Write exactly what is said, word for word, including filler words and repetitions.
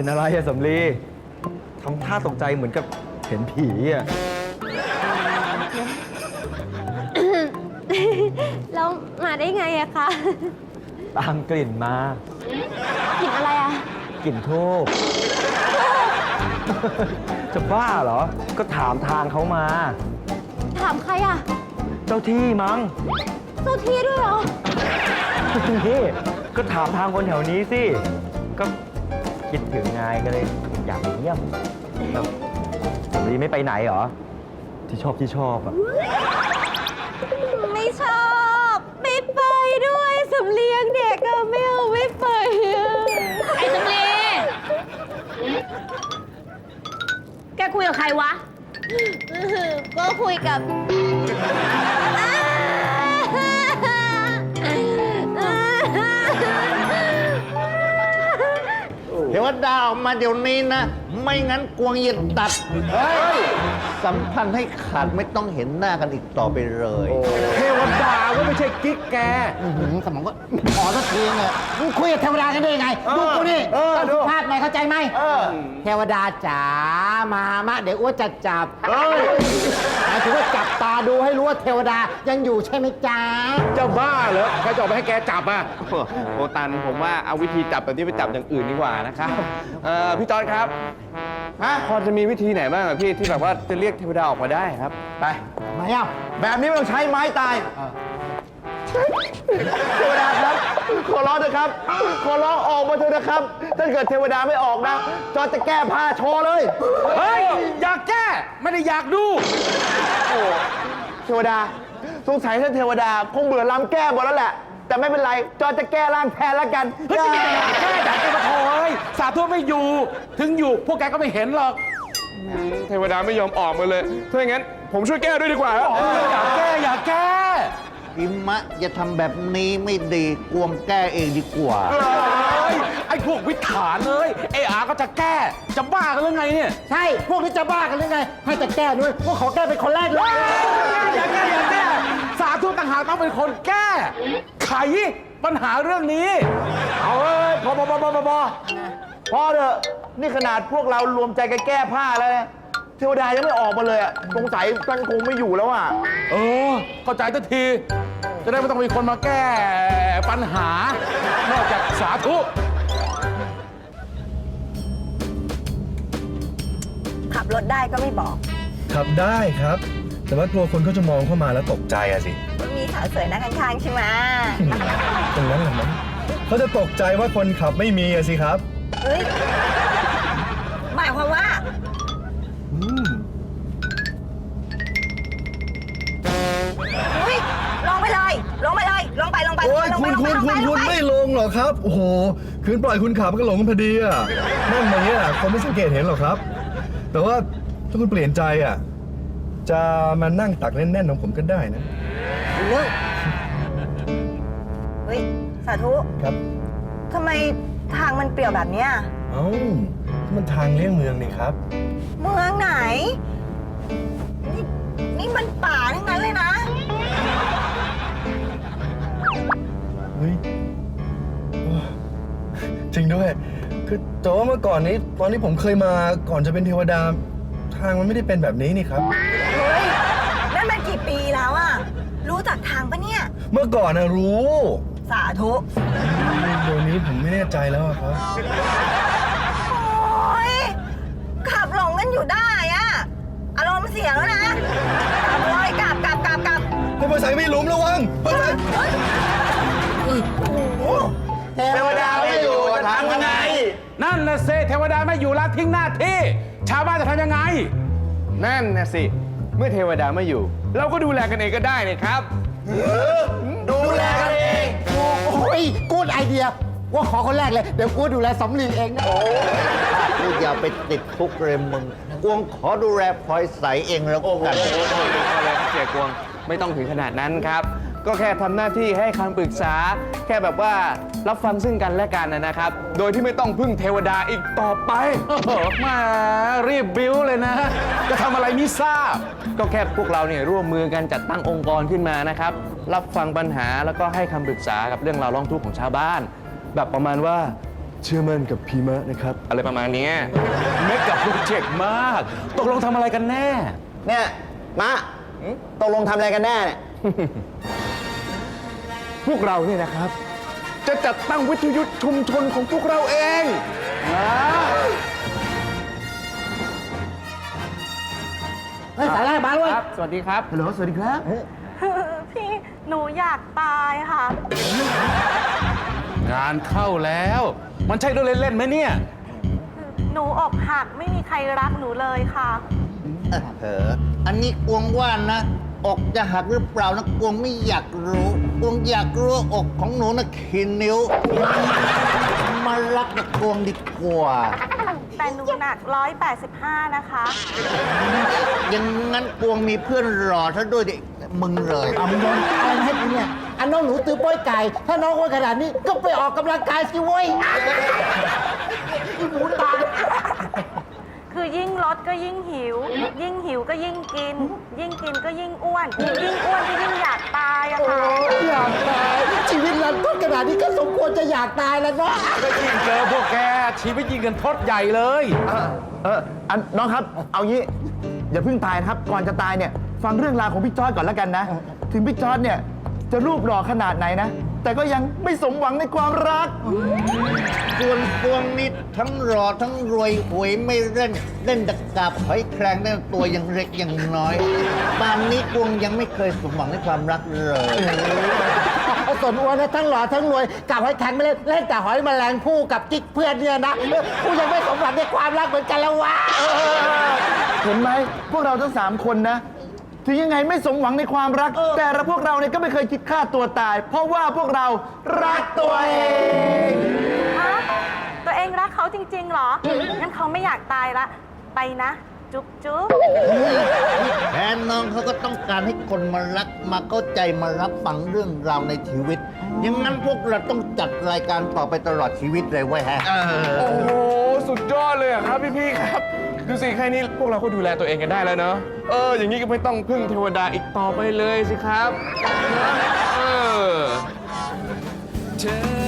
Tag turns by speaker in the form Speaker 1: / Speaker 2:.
Speaker 1: เป็นอะไรอะสำลีทำท่าตกใจเหมือนกับเห็นผีอะ
Speaker 2: แล้วมาได้ไงอะคะ
Speaker 1: ตามกลิ่นมา
Speaker 2: กลิ่นอะไรอะ
Speaker 1: กลิ่นทูบ จะบ้าเหรอ ก็ถามทางเขามา
Speaker 2: ถามใครอะ
Speaker 1: เจ้าที่มั้ง
Speaker 2: เจ้าที่ด้วยเหรอ
Speaker 1: นี่ก็ถามทางคนแถวนี้สิ ก็คิดถึงไงก็เลยอยากไปเยี่ยมแล้วสำลีไม่ไปไหนเหรอ ที่ชอบที่ชอบอะ
Speaker 2: ไม่ชอบไม่ไปด้วยสำเลียงเด็กอะไม่เอาไม่ไปอะไอ้สำเลียงแกคุยกับใครวะ ก็คุยกับ
Speaker 3: เทวดาออกมาเดี๋ยวนี้นะ ไม่งั้นกวงเย็นตัด เฮ้ย สัมพันธ์ให้ขาดไม่ต้องเห็นหน้ากันอีกต่อไปเลย
Speaker 4: เทวดาก็ไม่ใช่กิ๊กแก
Speaker 5: อื้อหือสมองก็ขอสักทีเนี่ยมึงคุยกับเทวดากันได้ยังไงดูกูนี่
Speaker 3: เออ
Speaker 5: ต้อง
Speaker 3: ดู
Speaker 5: สุภาพหน่อยเข้าใจไหม
Speaker 3: เออ
Speaker 5: เทวดาจ๋ามามะเดี๋ยวอ้วนจะจับ
Speaker 3: เฮ้ย
Speaker 5: หมายถึงว่าจับตาดูให้รู้ว่าเทวดายังอยู่ใช่ไหมจ๊ะ
Speaker 4: จะบ้าเหรอใครจะออกไปให้แกจับอ่ะ
Speaker 6: โอตันผมว่าเอาวิธีจับแบบที่ไปจับอย่างอื่นดีกว่านะครับเอ่อพี่จอร์จครับฮะพอจะมีวิธีไหนบ้างอะพี่ที่แบบว่าจะเรียกเทวดาออกมาได้ครับ
Speaker 3: ไป
Speaker 5: มาเอ้า
Speaker 3: แบบนี้ไม่ต้องใช้ไม้ตาย เทวดาครับ ขอร้องเถอะครับ ขอร้องออกมาเถอะนะครับ ถ้าเกิดเทวดาไม่ออกนะ จอร์จจะแก้ผ้าโชว์เลย
Speaker 4: เฮ้ย อยากแก้ ไม่ได้อยากดู
Speaker 3: โอ้เทวดา สงสัยท่านเทวดาคงเบื่อลำแก้หมดแล้วแหละ แต่ไม่เป็นไร จอร์จจะแก้ร่างแทนแล้วกัน
Speaker 4: เฮ้ยจะอยากแก้อยากแก้มาโถยสาธุไม่อยู่ ถึงอยู่พวกแกก็ไม่เห็นหรอก
Speaker 6: เทวดาไม่ยอมออกมาเลย ถ้าอย่างนั้น ผมช่วยแก้ด้วยดีกว่าครับ
Speaker 4: อยากแก้อยากแก้
Speaker 3: อิมะอย่าทำแบบนี้ไม่ดีกวงแก้เองดีกว่า
Speaker 4: เฮ้ย ไอ้พวกวิถานเลยไอ้อาก็จะแก้ จะบ้ากันหรือไงเนี่ย
Speaker 5: ใช่พวกนี้จะบ้ากันหรือไง ให้แต่แก้ด้วยพวกขอแก้เป็นคนแรกเลย
Speaker 4: อยากแก้อยากแก้ สาธุต่างหากต้องเป็นคนแก้ ไขปัญหาเรื่องนี้
Speaker 3: เอาเอ้ยพอพอพอพอพอพอพอเถอะนี่ขนาดพวกเรารวมใจกันแก้ผ้าแล้วนะเทวดายังไม่ออกมาเลยอะสงสัยท่านคงไม่อยู่แล้วอะ
Speaker 4: เออ เข้าใจทันที จะได้ไม่ต้องมีคนมาแก้ปัญหา นอกจากสาธุ
Speaker 7: ขับรถได้ก็ไม่บอก
Speaker 8: ขับได้ครับ แต่ว่ากลัวคนเขาจะมองเข้ามาแล้วตกใจอะสิ
Speaker 7: ว่ามีสาวสวยนั่งข้างๆใช่ไหม
Speaker 8: ตรงนั้นแหละมั้งเขาจะตกใจว่าคนขับไม่มีอะสิครับ
Speaker 7: เฮ้ย หมายความว่า
Speaker 8: อืม
Speaker 7: เฮ้ย ลงไปเลย ลงไปเลย ลงไป ลงไป
Speaker 8: โอ้ย
Speaker 7: ลง
Speaker 8: คุ
Speaker 7: ไป
Speaker 8: ณ
Speaker 7: ลง
Speaker 8: คุ
Speaker 7: ไป
Speaker 8: ณ
Speaker 7: ลง
Speaker 8: คุ
Speaker 7: ไป
Speaker 8: ณ
Speaker 7: ล
Speaker 8: คุ
Speaker 7: ง
Speaker 8: ณ
Speaker 7: ไป
Speaker 8: ไม่ลงหรอกครับ โอ้โห คืนปล่อยคุณขับก็หลงพอดีอะนั่นมาเนี้ยคนไม่สังเกตเห็นหรอกครับ แต่ว่าถ้าคุณเปลี่ยนใจอะจะมานั่งตักแน่นๆของผมก็ได้นะ
Speaker 7: เฮ้ย เฮ้ย สาธุ
Speaker 8: ครับ
Speaker 7: ทำไมทางมันเปลี่ยวแบบเนี้ย
Speaker 8: เอ้ามันทางเลี่ยงเมืองนี่ครับ
Speaker 7: เมืองไหน นี่ นี่มันป่าทั้งนั้นเลยนะ
Speaker 8: เฮ้ยโอ้จริงด้วย คือแต่ว่าเมื่อก่อนนี้ ตอนที่ผมเคยมาก่อนจะเป็นเทวดา ทางมันไม่ได้เป็นแบบนี้นี่ครับ
Speaker 7: เฮ้ย นั่นมันกี่ปีแล้วอะรู้จักทางปะเนี่ย
Speaker 8: เมื่อก่อนนะรู้
Speaker 7: สาธุ
Speaker 8: เดี๋ยวนี้ผมไม่แน่ใจแล้วอะครับ
Speaker 7: โอ๊ย ขับหลงกันอยู่ได้อะอารมณ์เสียแล้วนะ กลับเลยกลับกลับกลับกลับ
Speaker 8: ให้ภาษาไม่หลุมระวังภาษา
Speaker 3: เทวดาไม่อยู่ทำยังไง
Speaker 4: นั่นนะเซเทวดาไม่อยู่ละทิ้งหน้าที่ ชาวบ้านจะทำยังไง
Speaker 6: นั่นนะสิ เมื่อเทวดาไม่อยู่ เราก็ดูแลกันเองก็ได้นี่ครับ
Speaker 3: ดูแลกันเอง
Speaker 5: โอ้ยกูดไอเดีย ว่าขอคนแรกเลย เดี๋ยวกูดูแลสำลีเองนะ
Speaker 3: กูอย่าไปติดคุกเลยมึง กวงขอดูแลพลอยใสเองแล้วกัน
Speaker 6: อะไรครับเสียกวงไม่ต้องถึงขนาดนั้นครับ ก็แค่ทำหน้าที่ให้คำปรึกษา แค่แบบว่ารับฟังซึ่งกันและกันนะครับ โดยที่ไม่ต้องพึ่งเทวดาอีกต่อไป
Speaker 4: โอ้โหมารีบบิ้วเลยนะ จะทำอะไรมิทราบ
Speaker 6: ก็แค่พวกเราเนี่ยร่วมมือกันจัดตั้งองค์กรขึ้นมานะครับ รับฟังปัญหาแล้วก็ให้คำปรึกษากับเรื่องราวร้องทุกข์ของชาวบ้าน แบบประมาณว่า
Speaker 8: เชื่อมั่นกับพีมะนะครับ
Speaker 6: อะไรประมาณเนี้ย
Speaker 4: เมกกับโปรเจกต์มาก ตกลงทำอะไรกันแน่
Speaker 3: เนี่ยมะตกลงทำอะไรกันแน่เนี่ย
Speaker 6: พวกเราเนี่ยนะครับ จะจัดตั้งวิทยุชุมชนของพวกเราเองนะ
Speaker 5: เฮ้ยสายแรกมาด้วย
Speaker 6: ครับ สวัสดีครับ
Speaker 3: ฮัลโหล สวัสดีครับ
Speaker 2: พี่หนูอยากตายค่ะ
Speaker 4: งานเข้าแล้ว มันใช่เรื่องเล่นๆไหมเนี่ย
Speaker 2: หนูอกหักไม่มีใครรักหนูเลยค่ะ
Speaker 5: เอออันนี้กวงว่านะ อกจะหักหรือเปล่านะกวงไม่อยากรู้กวงอยากรู้ว่าอกของหนูนะขีดนิ้ว มารักกับกวงดีกว่า
Speaker 2: แต่หนูหนักร้อยแปดสิบห้านะคะ
Speaker 5: อย่างนั้นกวงมีเพื่อนรอซะด้วยดิมึงเลยเอามึงโดนอะไรมาให้กูเนี่ยอันน้องหนูตื้อโป้ยไก่ ถ้าน้องอ้วนขนาดนี้ก็ไปออกกำลังกายสิเว้ยอีหมูตาย
Speaker 2: คือยิ่งลดก็ยิ่งหิว ยิ่งหิวก็ยิ่งกิน ยิ่งกินก็ยิ่งอ้วน ยิ่งอ้วนก็ยิ่งอยากตายอะค่ะ
Speaker 5: อยากตายชีวิตรันต้นขนาดนี้ก็สมควรจะอยากตายแล้วเนาะ
Speaker 4: ก็ยิ่งเจอพวกแก ชีวิตยิ่งกันทดใหญ่เลย
Speaker 3: เออเอออันน้องครับ เอางี้ อย่าเพิ่งตายนะครับ ก่อนจะตายเนี่ย ฟังเรื่องราวของพี่จอร์ดก่อนแล้วกันนะ ถึงพี่จอร์ดเนี่ย จะรูปหล่อขนาดไหนนะ แต่ก็ยังไม่สมหวังในความรัก
Speaker 5: ส่วนพวงนี้ทั้งรอทั้งรวยหวยไม่เล่น เล่นดักกาบหอยแครงเล่นตัวยังเล็กยังน้อยป่านนี้กวงยังไม่เคยสมหวังในความรักเลยส่วนอ้วนนะทั้งหล่อทั้งรวยกับหอยแครงไม่เล่นเล่นแต่หอยแมลงผู้กับกิ๊กเพื่อนเนี่ยนะกูยังไม่สมหวังในความรักเหมือนกันแล้ววะ
Speaker 3: เห็นไหมพวกเราทั้งสามคนนะ ถึงยังไงไม่สมหวังในความรัก แต่เราพวกเราเนี่ยก็ไม่เคยคิดฆ่าตัวตาย เพราะว่าพวกเรารักตัวเอง
Speaker 2: ฮะ ตัวเองรักเขาจริงๆเหรอ งั้นเขาไม่อยากตายละ ไปนะ จุ๊บจุ๊บ
Speaker 5: แทนน้องเขาก็ต้องการให้คนมารักมาเข้าใจมารับฟังเรื่องราวในชีวิตอย่างนั้นพวกเราต้องจัดรายการต่อไปตลอดชีวิตเลยเว้ยฮะ
Speaker 6: โอ้โห สุดยอดเลยอะครับพี่ๆครับ ดูสิแค่นี้พวกเราก็ดูแลตัวเองกันได้แล้วเนอะเออ อย่างนี้ก็ไม่ต้องพึ่งเทวดาอีกต่อไปเลยสิครับ เออ
Speaker 9: เธอ